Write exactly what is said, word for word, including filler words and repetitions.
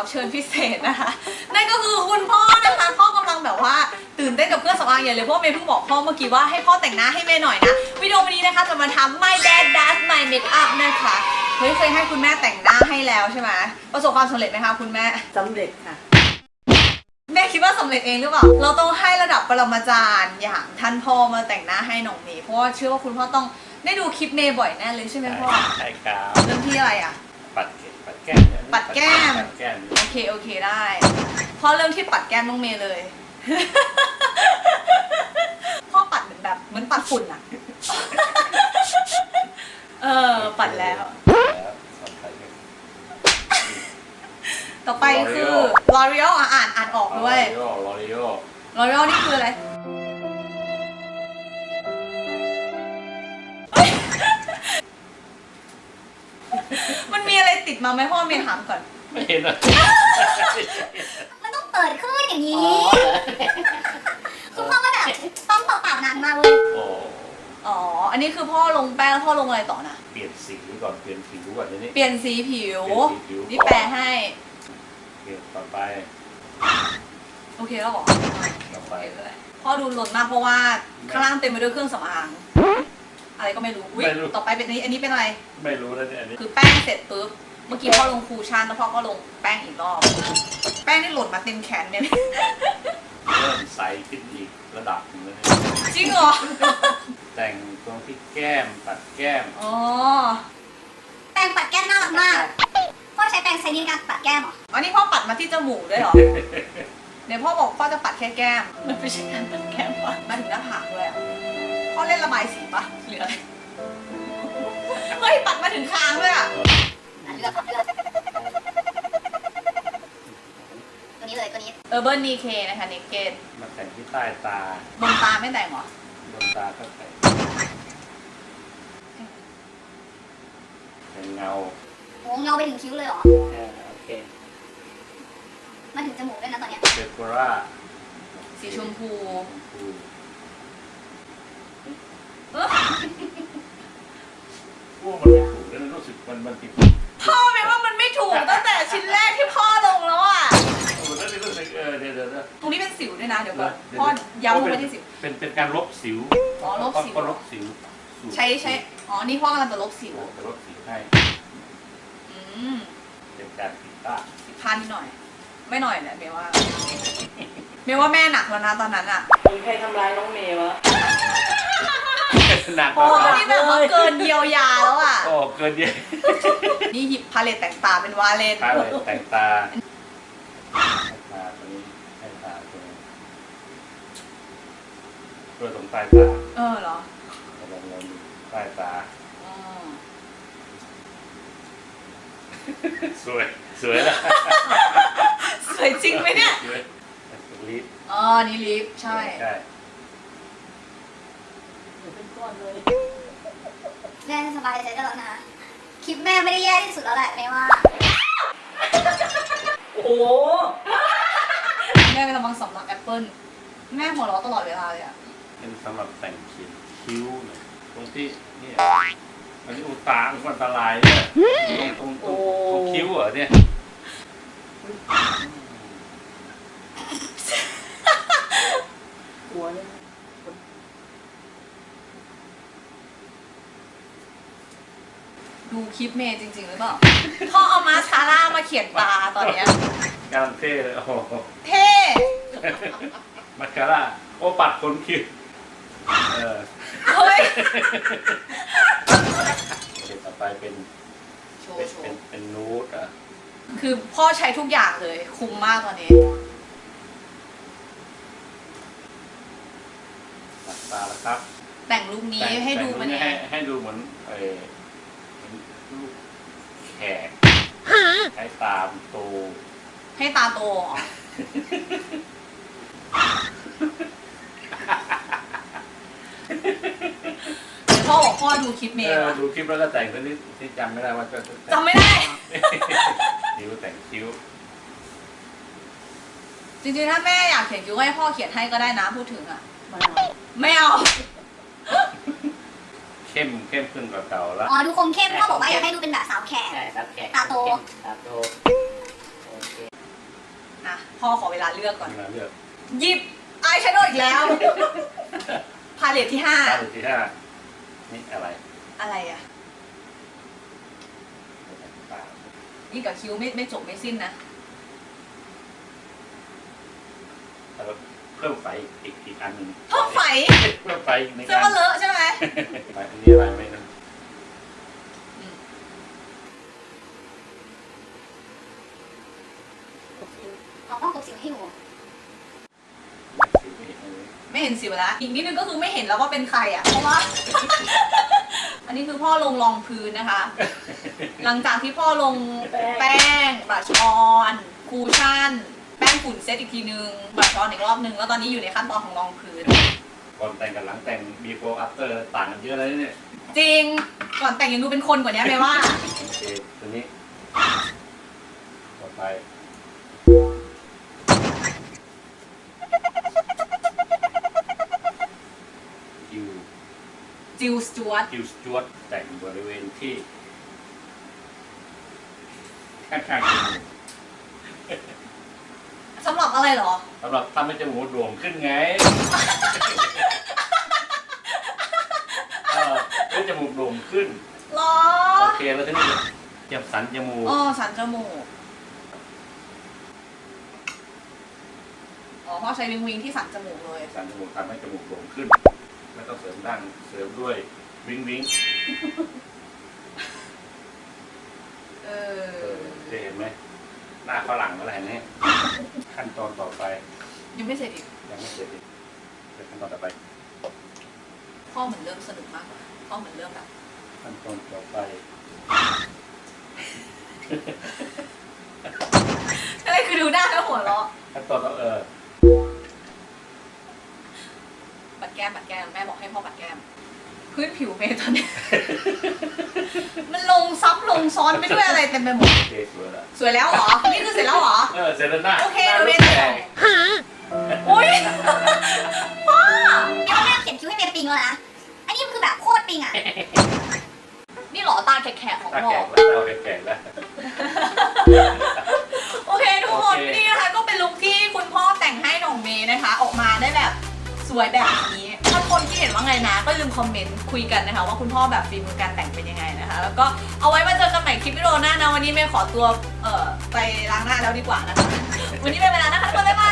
รับเชิญพิเศษนะคะนั่นก็คือคุณพ่อนะคะพ่อกำลังแบบว่าตื่นเต้นกับเครื่องสำอางใหญ่เลยเพราะเมย์เพิ่งบอกพ่อเมื่อกี้ว่าให้พ่อแต่งหน้าให้เมย์หน่อยนะวิดีโอวันนี้นะคะจะมาทำ My Dad Does My Makeup นะคะเฮ้ยเคยให้คุณแม่แต่งหน้าให้แล้วใช่ไหมประสบความสำเร็จไหมคะคุณแม่สำเร็จค่ะแม่คิดว่าสำเร็จเองหรือเปล่าเราต้องให้ระดับปรมาจารย์อย่างท่านพ่อมาแต่งหน้าให้น้องเมย์เพราะว่าเชื่อว่าคุณพ่อต้องได้ดูคลิปเมย์บ่อยแน่เลยใช่ไหมพ่อใช่ครับเรื่องที่อะไรอ่ะปัดเก็บปัดแก้มปัดแก้มปัดแก้มโอเคโอเคได้พ่อเริ่มที่ปัดแก้มน้องเมย์เลยพ่อปัดเหมือนแบบเหมือนปัดฝุ่นอ่ะเออปัดแล้วต่อไปคือ L'Oreal อ่านอ่านออกด้วย L'Oreal L'Oreal นี่คืออะไรมันมีอะไรติดมาไหมพ่อเมย์ถามก่อนไม่เห็นอ่ะมันต้องเปิดขึ้นอย่างนี้คุณพ่อก็แบบต้องเปล่าๆนานมากเลยอ๋ออันนี้คือพ่อลงแป้งพ่อลงอะไรต่อนะเปลี่ยนสีก่อนเปลี่ยนผิวก่อนทีนี้เปลี่ยนสีผิวนี่แปลให้เปลี่ยนต่อไปโอเคแล้วหรอต่อไปพ่อดูหล่นมากเพราะว่าข้างล่างเต็มไปด้วยเครื่องสำอางอะไรก็ไม่รู้อุ้ยต่อไปเป็นนี้อันนี้เป็นอะไรไม่รู้แล้วเนี่ยอันนี้คือแป้งเสร็จปุ๊บเมื่อกี้พ่อลงคูชั่นแล้วพ่อก็ลงแป้งอีกรอบแป้งนี่หล่นมาเต็มแขนเนี่ยเริ่มใสขึ้นอีกระดับหนึ่งแล้วจริงเหรอแต่งตรงที่แก้มปัดแก้มอ๋อแป้งปัดแก้มน่ารักมากพ่อใช้แป้งใช้ในการปัดแก้มเหรออันนี้พ่อปัดมาที่จมูกด้วยเหรอเดี๋ยวพ่อบอกพ่อจะปัดแค่แก้มมันไม่ใช่การปัดแก้มปะมาถึงหน้าผากด้วยพ่อเล่นระบายสีปะหรืออะไรเฮ้ยปัดมาถึงคางด้วยอ่ะเลือกเลือกตัวนี้เลยตัวนี้เออเบิร์นดีเคนะคะเนกเกตมาแต่งที่ใต้ตาบนตาไม่แต่งหรอบนตาก็แต่งเป็นเงาโอ้เงาไปถึงคิ้วเลยเหรอโอเคมาถึงจมูกด้วยนะตอนนี้เซฟโกราสีชมพูว่ามันไม่ถูกแล้วรู้สึกมันมันผิดพ่อแม่ว่ามันไม่ถูกตั้งแต่ชิ้นแรกที่พ่อลงแล้วอ่ะแล้วนี่รู้สึกเออเดี๋ยวเดี๋ยวตรงนี้เป็นสิวด้วยนะเดี๋ยวก่อนพ่อย้ำลงไปที่สิวเป็นเป็นการลบสิวอ๋อลบสิวก็ลบสิวใช้ใช้อ๋อนี่พ่อกำลังจะลบสิวจะลบสิวให้อืมเป็นการผิดพลาดผิดพลาดนิดหน่อยไม่หน่อยแหละเมย์ว่าเมย์ว่าแม่หนักแล้วนะตอนนั้นอ่ะมีใครทำร้ายน้องเมย์วะหนักโอ้นี่แบบว่าเกินเยียวยาแล้วอ่ะโอ้เกินเยียนี่หยิบพาเลตแต่งตาเป็นวาเลนพาเลตแต่งตาตาตัวนี้ให้ตาตัวนี้ตัวตรงใต้ตาเออเหรอลองลองดูใต้ตาสวยสวยนะสวยจริงไหมเนี่ยลิปอ๋อนี่ลิปใช่ใช่แม่สบายใจตลอดนะคลิปแม่ไม่ได้แย่ที่สุดแล้วแหละไม่ว่าโอ้โหแม่เป็นกำลังสำหรับแอปเปิ้ลแม่หัวเราะตลอดเวลาเลยอ่ะเป็นสำหรับแต่งคิ้วคิ้วเนี่ยตรงที่นี่อันนี้อุตาอันตรายเนี่ยตรงตรงตรงคิ้วเหรอเนี่ยหัวเนี่ยดูคลิปเมย์จริงๆหรือเปล่าพ่อเอามาสคาร่ามาเขียนตาตอนเนี้ยกำลังเท่เลยโอ้โหเท่มาสคาร่าโอ้ปัดขนคิ้วเออเฮ้ยต่อไปเป็นเป็นเป็นนูดอ่ะคือพ่อใช้ทุกอย่างเลยคุ้มมากตอนนี้ตัดตาแล้วครับแต่งลุคนี้ให้ดูมันให้ให้ดูเหมือนไอ้ลูกแขกให้ตาโตให้ตาโตพ่อบอกพ่อดูคลิปเมย์ดูคลิปแล้วก็แต่งตัวนี้ที่จำไม่ได้ว่าจะจำไม่ได้คิ้วแต่งคิ้วจริงๆถ้าแม่อยากเขียนคิ้วให้พ่อเขียนให้ก็ได้นะพูดถึงอ่ะไม่เอาเข้มเข้มขึ้นกว่าเก่าแล้วอ๋อดูคมเข้มพ่อบอกว่าอยากให้ดูเป็นแบบสาวแขกตาโตตาโตอ่ะพ่อขอเวลาเลือกก่อนเวลาเลือกหยิบอายแชโดว์อีกแล้ว พาเลตที่ห้าตาที่ห้านี่อะไรอะไรอ่ะตายิ่งกับคิ้วไม่ไม่จบไม่สิ้นนะแล้วก็เพิ่มไฟอีกอีกอันหนึ่งเพิ่มไฝเพิ่มไฟอีกหนึ่งเสื้ออัว่าน เลอะใช่ไหมไฟอันนี้อะไรไม่รู้เอาต้องกบสิวให้หนูสีไม่เห็นเลยไม่เห็นสิวแล้วอีกนิดนึงก็คือไม่เห็นแล้วว่าเป็นใครอ่ะเพราะว่า อันนี้คือพ่อลงรองพื้นนะคะ หลังจากที่พ่อลงแป้งบลัชออนคูชั่น แป้งฝุ่นเซตอีกทีนึงบลัชออนอีกรอบนึงแล้วตอนนี้อยู่ในขั้นตอนของรองพื้นก่อนแต่งกับหลังแต่ง before after ต่างกันเยอะเลยเนี่ยจริงก่อนแต่งยังดูเป็นคนกว่านี้ไหมว่าโอเคตัวนี้ต่อไปคิวจิลสจวตคิวสจวตแต่งบริเวณที่ข้างๆจมูกสำหรับอะไรเหรอสำหรับทำให้จมูกโด่งขึ้นไงเออให้จมูกโด่งขึ้นหรอโอเคแล้วทีนี้เจ็บสันจมูกอ๋อสันจมูกอ๋อพ่อใช้วิงวิงที่สันจมูกเลยสันจมูกทำให้จมูกโด่งขึ้น แล้วก็เสริมดั้งเสริมด้วยวิงวิงเอเอออจะเห็นไหมหน้าฝรั่งอะไรเนี่ยขั้นตอนต่อไปยังไม่เสร็จอีกยังไม่เสร็จอีกเดี๋ยวขั้นตอนต่อไปพ่อเหมือนเริ่มสนุกมากกว่าพ่อเหมือนเริ่มแบบขั้นตอนต่อไปอะไรคือดูหน้าแล้วหัวเราะขั้นตอนต่อเออปัดแก้มปัดแก้มแม่บอกให้พ่อปัดแก้มพื้นผิวเมย์ตอนนี้ มันลงซับลงซ้อนไปด้วยอะไรเต็มไปหมดโอเคสวยแล้วสวยแล้วเหรอ นี่คือเสร็จแล้วเหรอเออเสร็จแล้วหน้าโอเคหน้าเรารูเรีปยนต่แดอง อุ้ยพ่อเดี๋ยวแม่เขียนคิ้วให้เมย์ปิงแล้วนะ อันนี้มันคือแบบโคตรปิงอ่ะนี่เหรอตาแขกๆของตาพ่อแก่แล้วตาแก่แล้วโอเคทุกคนโอเคนี่นะคะก็เป็นลุคที่คุณพ่อแต่งให้น้องเมย์นะคะ ออกมาได้แบบสวยแบบนี้ถ้าคนที่เห็นว่าไงนะ ก็ลืมคอมเมนต์คุยกันนะคะ ว่าคุณพ่อแบบฝีมือการแต่งเป็นยังไงนะคะ แล้วก็เอาไว้มาเจอกันใหม่คลิปวิดีโอหน้านะวันนี้เมย์ขอตัวเอ่อไปล้างหน้าแล้วดีกว่านะคะ วันนี้ไปเวลานะคะทุกคนบ๊ายบาย